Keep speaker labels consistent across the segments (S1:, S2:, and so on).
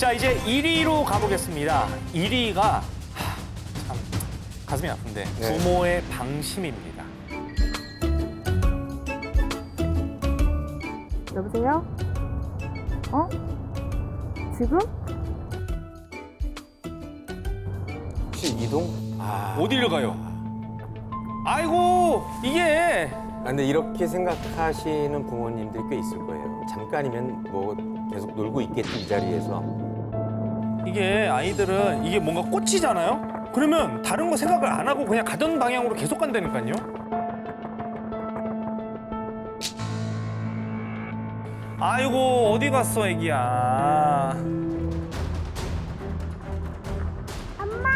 S1: 자, 이제 1위로 가보겠습니다. 1위가 참 가슴이 아픈데
S2: 네.
S1: 부모의 방심입니다.
S3: 여보세요? 어? 지금?
S2: 혹시 이동?
S1: 어디를 가요? 아이고, 이게
S2: 근데 이렇게 생각하시는 부모님들이 꽤 있을 거예요. 잠깐이면 뭐 계속 놀고 있겠지 이 자리에서.
S1: 이게 아이들은 이게 뭔가 꽂히잖아요? 그러면 다른 거 생각을 안 하고 그냥 가던 방향으로 계속 간다니까요? 아이고, 어디 갔어, 애기야. 엄마!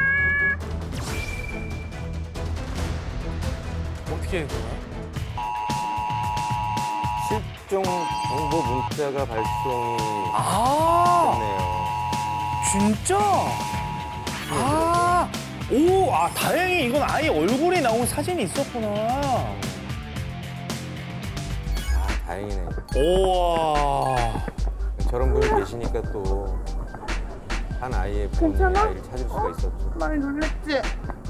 S1: 어떻게 해, 그거?
S2: 실종 정보 문자가 발송이
S1: 아,
S2: 됐네요.
S1: 진짜? 아, 오, 아, 다행히 이건 아예 얼굴이 나온 사진이 있었구나.
S2: 다행이네.
S1: 우와.
S2: 저런 분이 계시니까 또 한 아이의 부모님이
S3: 괜찮아?
S2: 아이를 찾을 수가 있었죠.
S3: 많이 놀랬지?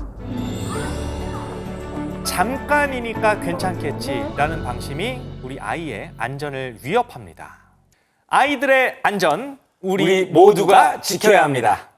S1: 잠깐이니까 괜찮겠지라는 방심이 우리 아이의 안전을 위협합니다. 아이들의 안전, 우리 모두가 지켜야 합니다.